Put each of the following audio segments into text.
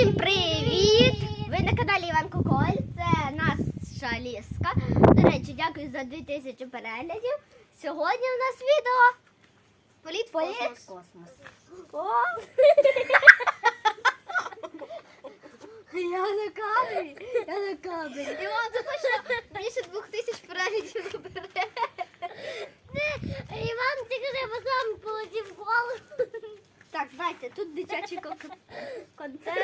Всім привіт! Ви на каналі Іван Коколь. Це наша ліска. До речі, дякую за 2000 переглядів. Сьогодні у нас відео політ в космос. О! Я на камері. Іван, це точно більше 2000 переглядів набере. Іван тільки що сам полетів в голову. Так, знаєте, тут дитячий контент.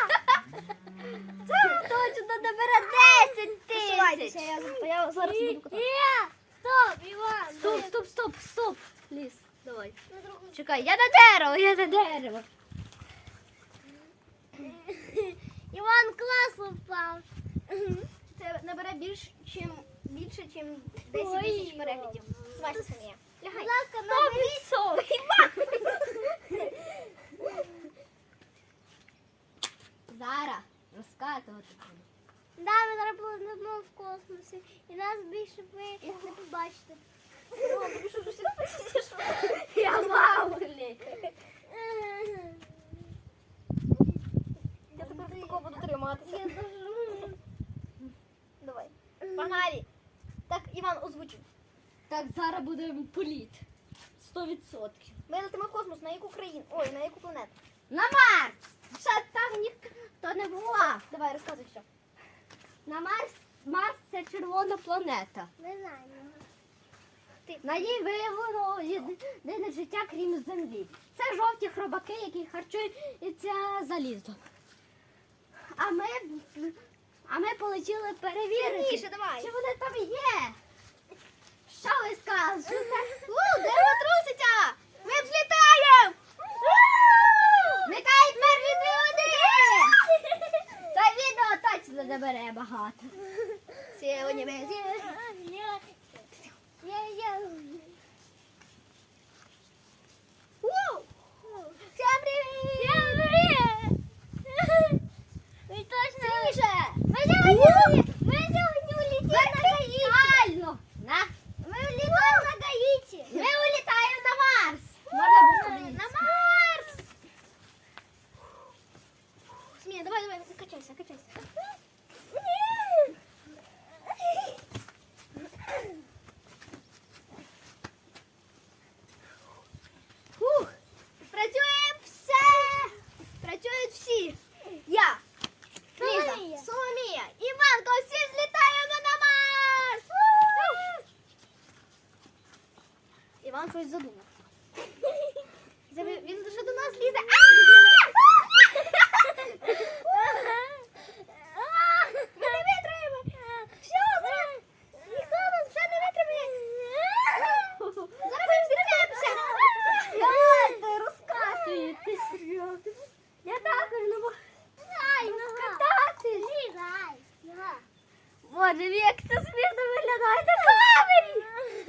Це точно набере 10 000. Я зараз буду катати. Стоп, Іван. Стоп. Ліс, давай. Чекай, я на дерево. Іван класно впав. Це набере більше, ніж 10 000 переглядів. Звайся самі. Лягай. Будь ласка, наберіть. Зараз розкатувати. Да, ми зараз будемо в космосі. І нас більше ви не побачите. Я мамулі. Я тепер такого буду триматися. Я дуже... Давай. Погнали. Так, Іван озвучив. Так, зараз буде політ. 100%. Ми летимо в космос. На яку країну? Ой, на яку планету? На Марс! Ще там ніхто не бував. Давай, розказуй що. На Марс це червона планета. Не знаю. На ній виявлено єдине життя, крім Землі. Це жовті хробаки, які харчуються залізом. А ми полетіли перевірити, Сильніше, давай. чи вони там є. Що ви скажете? Дерево труситься! Ми взлітаємо! Злітають мертві двигуни! Це відео точно набере багато. Сьогодні ми Всем привіт! Ви точно... Тише! Ми сьогодні улетіли на Гаїті. Вертикально! Ми улітаємо на Гаїті. Ми улітаємо на Марс! Можна було На Марс. Смія, давай, качайся. Фух, працюємо все! Працюють всі! Я, Ліза, Соломія, Іванко, всі злітаємо на Марс! Іван щось задумав. Він вже до нас лізе. Ми не витримаємо! Що зараз? Ніхто нас вже не витримає! Зараз ми взлетимося! Ти розкатуєтесь! Я також не можу розкатати! Боже, як це смішно виглядає на камері!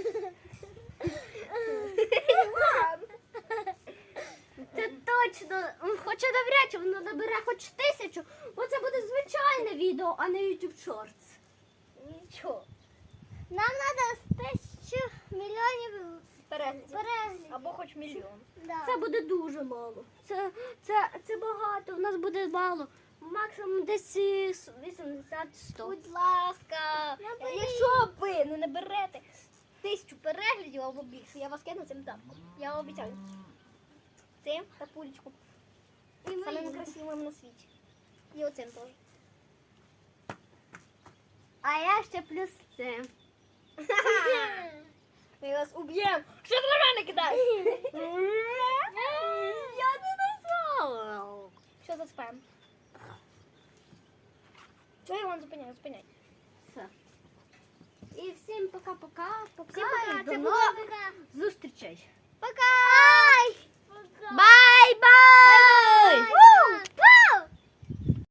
Це точно, хоча навряд чи воно набере хоч 1000, бо це буде звичайне відео, а не YouTube Shorts. Нічого. Нам треба 1000 мільйонів Переглядів. переглядів. Або хоч мільйон. Да. Це буде дуже мало. Це багато, у нас буде мало. Максимум десь 80-100. Будь ласка, якщо ви не наберете 1000 переглядів або більше, я вас кину цим тапком. Я вам обіцяю. Цим та пулечку. І Самим красивим на світі. І оцим теж. А я ще плюс цим. Ми вас уб'ємо. Що ти на мене кидаєш? Я не назвала. Що за спам? Чого Іван зупиняй? Все. І всім пока-пока. Всім пока. І до Це нових було зустрічей. Пока!